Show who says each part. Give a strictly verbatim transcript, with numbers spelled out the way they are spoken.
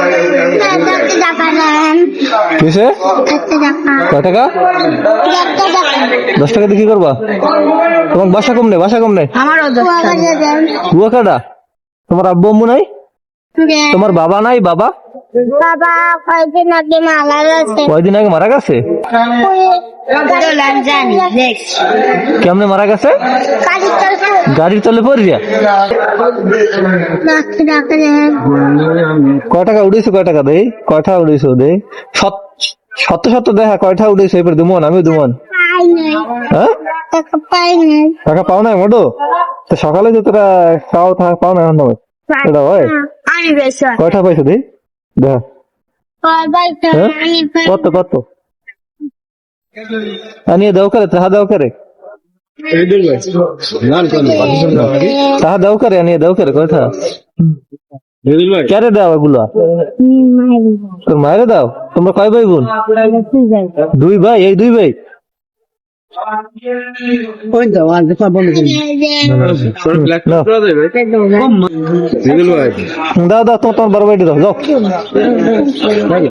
Speaker 1: কিসে কয় টাকা? দশ টাকা দিয়ে কি করবা? তোমার বাসা কম নেই, বাসা কম নেই। কুয়াকাটা। তোমার আব্বু আম্মু নাই? তোমার বাবা নাই? বাবা
Speaker 2: বাবা কয়দিন আগে মারা গেছে।
Speaker 1: কয়দিন আগে মারা গেছে? কেমনে মারা গেছে? গাড়ির তলে পড়িয়া। কয় টাকা উঠেছো? কয় টাকা দেই? কয়টা উঠেছো দেই? সত্য সত্য দেখা কয়টা উঠেছো? এবার দুমন আমি দুমন। হ্যাঁ টাকা পাও নাই মোটো? তো সকালে যে তোরা খাও পাও না এখন এটা হয়? কয়টা পাইছো দেই? দেখা কত কত আনিয়ে দাও করে তাহা দাও করে তাহা দাও করে আনিয়ে দাও করে কথা কেরে দাও এগুলো? তোর মায়েরে দাও। তোমরা কয় ভাই বোন? দুই ভাই। এই দুই ভাই দাও দাও তোমার বড় ভাইটি দাও যাও।